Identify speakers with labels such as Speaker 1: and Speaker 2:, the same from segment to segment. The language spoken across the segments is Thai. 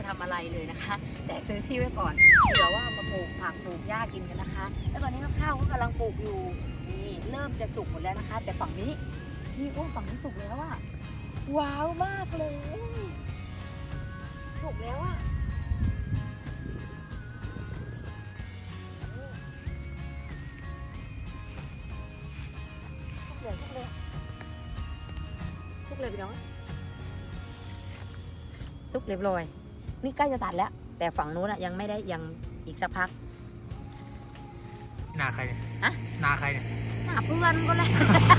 Speaker 1: ทำอะไรเลยนะคะ แต่ซื้อที่ไว้ก่อนเผื่อว่ามาปลูกผักปลูกหญ้ากินกันนะคะ แล้วตอนนี้ข้าวก็กำลังปลูกอยู่นี่เริ่มจะสุกหมดแล้วนะคะ แต่ฝั่งนี้นี่ฝั่งนี้สุกแล้วอะว้าวมากเลยสุกแล้วอะสุกเลยพี่น้องสุกเรียบร้อยนี่ใกล้จะตัดแล้วแต่ฝั่งนู้นอะยังไม่ได้ยังอีกสักพัก
Speaker 2: นาใครเนี่ย
Speaker 1: ฮะ
Speaker 2: นาใครเนี่ย
Speaker 1: หน้าเพื่อนก็เลย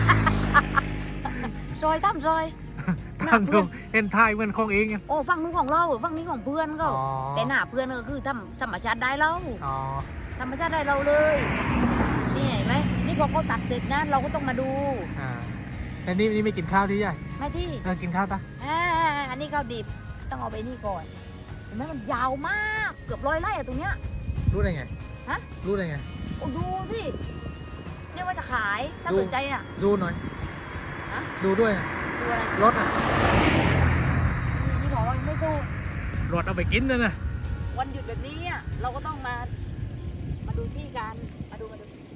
Speaker 1: ซอยตั้มซอย
Speaker 2: ตามดูเห็นทายเหมือนของเองไง
Speaker 1: โอ้ฝั่งนู้นของเราฝั่งนี้ของเพื่อนก็
Speaker 2: อ๋อ
Speaker 1: แต่หน้าเพื่อนก็คือธรรมชาติได้เรา
Speaker 2: อ๋อ
Speaker 1: ธรรมชาติได้เราเลยนี่เห็นไหมนี่พอเขาตัดเสร็จนะเราก็ต้องมาดู
Speaker 2: อ่าแต่นี่ไม่กินข้าวที่ใหญ่
Speaker 1: ไม่ที่
Speaker 2: กินข้าวปะ
Speaker 1: อันนี้ข้าวดิบต้องเอาไปนี่ก่อนเห็นไหมมันยาวมากเกือบ100 ไร่อะตรงเนี้ย
Speaker 2: รู้ได้ไง
Speaker 1: ฮะ
Speaker 2: รู้ได้ไง
Speaker 1: โอ้ดูสิเนี่ยว่าจะขายถ้า
Speaker 2: ดู
Speaker 1: สนใจอ่ะ
Speaker 2: ดูหน่อย
Speaker 1: ฮะ
Speaker 2: ดูด้วยนะ
Speaker 1: ดูอะไร
Speaker 2: รถอ่ะ
Speaker 1: นี่บอกว่ายังไม่สู้
Speaker 2: รถเอาไปกินนะ
Speaker 1: วันหยุดแบบนี้อะเราก็ต้องมาดูที่กันมาดู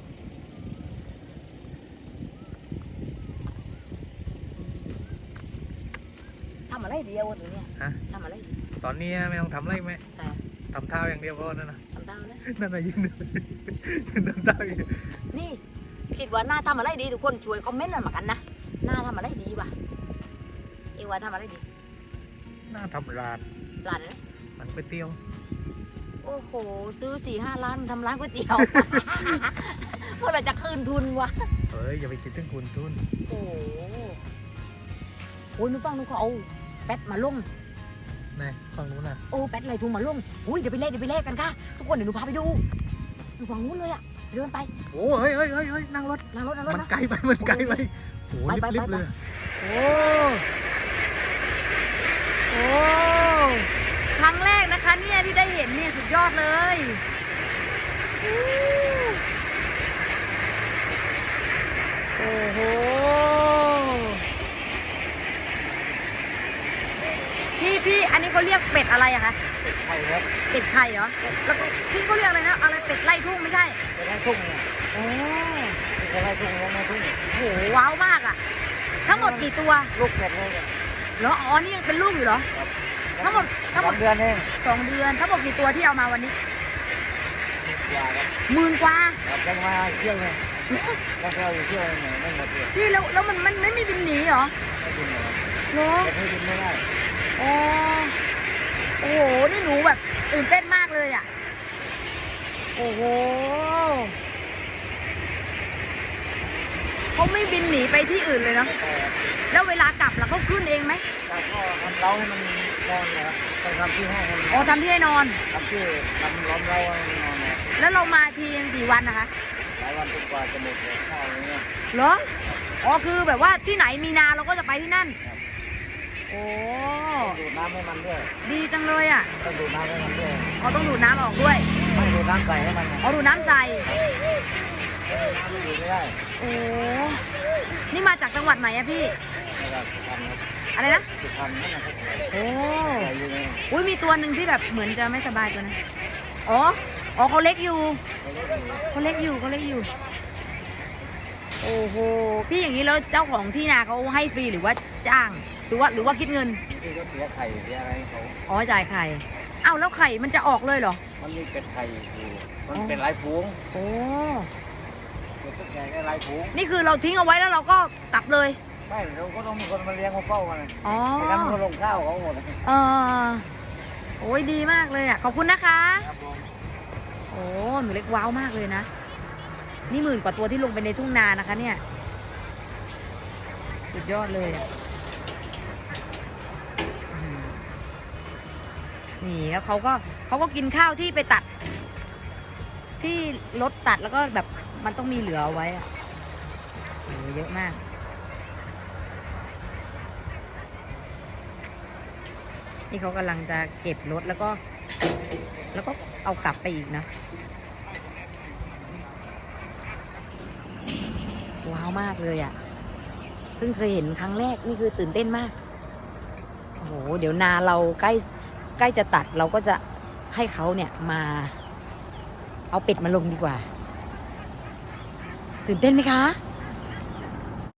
Speaker 1: ทำอะไรเดียวตัวเนี้ย
Speaker 2: ฮะ
Speaker 1: ทำอะไรดี
Speaker 2: ตอนนี้ไม่ต้องทำอะไรไหม
Speaker 1: ใช่
Speaker 2: ทำเท้าอย่างเดียวก็นั่นนะ
Speaker 1: ทำตามนะ
Speaker 2: นั่นน่ะยืนทำเท้าอย่างเดียว
Speaker 1: นี่คิดว่าหน้าทำอะไรดีทุกคนช่วยคอมเมนต์หน่อยมากันนะหน้าทำอะไรดีวะเอว่าทำอะไรดี
Speaker 2: น่าทำร้าน
Speaker 1: ร้านนะ
Speaker 2: มันก๋วยเตี๋ยว
Speaker 1: โอ้โหซื้อ4-5 ล้านทำร้านก๋วยเตี๋ยว เมื่อไหรจะคืนทุนวะ
Speaker 2: เฮ้ยอย่าไปคิดถึงคุณทุน
Speaker 1: โอ้โหโอ้ยนึกฟังนึกเขาเอาแป๊ดมาลง
Speaker 2: นะฝั่งนู้นน่ะ
Speaker 1: โอ้แป๊ดไรทุ่งมาลงอุ้ยเดี๋ยวไปเล่นกันค่ะทุกคนเดี๋ยวหนูพาไปดูอยู่ฝั่งนู้นเลยอะเดินไป
Speaker 2: โอ้เฮ้ยนั่งรถ
Speaker 1: นั่งรถ
Speaker 2: มัน
Speaker 1: นะ
Speaker 2: ไกลไปมันไกลไปโอ้
Speaker 1: ไป
Speaker 2: รีบเลย
Speaker 1: โอ้โอ้ครั้งแรกนะคะเนี่ยที่ได้เห็นเนี่ยสุดยอดเลยโอ้โหพี่อันนี้เขาเรียกเป็ดอะไรอะคะ
Speaker 2: ไข่ครับ
Speaker 1: เป็ดไข่เหรอแล้วก็พี่เขาเรียกอะไรนะอะไรเป็ดไล่ทุ่งไม่ใช่
Speaker 2: เป็นไร่ทุ่งเนี่ย
Speaker 1: โอ้
Speaker 2: เป็นไร่ทุ่งไร่ทุ่ง
Speaker 1: โหว้าวมากอะทั้งหมดกี่ตัว
Speaker 2: ลูกเป็ดเลยเนี่ย
Speaker 1: เหรออ๋อนี่ยังเป็นลูกอยู่เหรอทั้งหมด
Speaker 2: 2 เดือนเอง
Speaker 1: 2 เดือนทั้งหมดกี่ตัวที่เอามาวันนี้
Speaker 2: กว่าครับ
Speaker 1: 10,000 กว่า
Speaker 2: ยังมาเที่ยวเลยแล้วก็อยู่เที่ยวเนี่ยไม่หมดเลย
Speaker 1: พี่แล้วมันไม่มีบินหนีเหรอ
Speaker 2: ไม่กินเลย
Speaker 1: เหรอ
Speaker 2: แต่ให้กินไม่ได้
Speaker 1: โอ้โอ้โหนี่หนูแบบตื่นเต้นมากเลยอ่ะโอ้โหเขาไม่บินหนีไปที่อื่นเลยเนาะ
Speaker 2: แต่
Speaker 1: แล้วเวลากลับล่ะเขาขึ้นเองไหม
Speaker 2: เราก็ทำเล้าให้มันนอนนะครับไปทำที่ห้องมัน
Speaker 1: อ๋อทำที่ให้นอน
Speaker 2: ทำที่ทำล้อมเล้าให้มันนอนเนี่ย
Speaker 1: แล้วเรามาทีกี่วันนะคะ
Speaker 2: หลายวันจนกว่าจะหมดเลยข้าวอะไรเงี้ย
Speaker 1: เหรออ๋อคือแบบว่าที่ไหนมีนาเราก็จะไปที่นั่นโอ้
Speaker 2: ดูดน้ำให้มันด้วย
Speaker 1: ดีจังเลยอ่ะ
Speaker 2: ต้องดูดน้ำให้มันด้วย
Speaker 1: อ๋อต้องดูดน้ำออกด้วย
Speaker 2: ไม่ดูดน้ำใส่ให้มันไง
Speaker 1: อ๋อดูดน้ำใส่
Speaker 2: น้ำไม่ดูดไม่ได้
Speaker 1: โอ้ นี่มาจากจังหวัดไหนอะพี่
Speaker 2: นะครับทำครับ
Speaker 1: อะไรนะ
Speaker 2: สุพรรณนั่นนะครับ
Speaker 1: โอ้
Speaker 2: ใส่อยู่ใน
Speaker 1: อุ้ยมีตัวหนึ่งที่แบบเหมือนจะไม่สบายตัวนะอ๋อ อ๋อเขาเล็กอยู่ เขาเล็กอยู่ เขาเล็กอยู่ โอ้โห พี่อย่างนี้แล้วเจ้าของที่นาเขาให้ฟรีหรือว่าจ้าง หรือว่าคิดเงิน
Speaker 2: ที่เขาเสียไข่เสียอะไรให้เขา
Speaker 1: อ๋อจ่ายไข่ อ้าวแล้วไข่มันจะออกเลยเหรอ
Speaker 2: มันมีเป็ดไข่อยู่มันเป็นหลายฝูง
Speaker 1: โอ้
Speaker 2: เป็ดตุ๊กแกก็หลายฝูง
Speaker 1: นี่คือเราทิ้งเอาไว้แล้วเราก็กลับเลย
Speaker 2: ไม่เราก็ต้องมีคนมาเลี้ยงมาเฝ้ามัน
Speaker 1: อ๋อ
Speaker 2: ไม่งั้นมันก็ลงข้าวเขาหมด
Speaker 1: เออโอ้ยดีมากเลยอ่ะ ขอบคุณนะคะ
Speaker 2: ครับผม
Speaker 1: โอ้หนูเล็กว้าวมากเลยนะ นี่10,000 กว่าตัวที่ลงไปในทุ่งนานะคะเนี่ย สุดยอดเลยอะอืมนี่แล้วเขาก็กินข้าวที่ไปตัด ที่รถตัดแล้วก็แบบมันต้องมีเหลือเอาไว้อะโอ้เยอะมาก นี่เขากำลังจะเก็บรถแล้วก็เอากลับไปอีกนะ ว้าวมากเลยอ่ะ เพิ่งเคยเห็นครั้งแรกนี่คือตื่นเต้นมาก โอ้โห เดี๋ยวนาเราใกใกล้จะตัดเราก็จะให้เขาเนี่ยมาเอาเป็ดมาลงดีกว่า ตื่นเต้นไหมคะ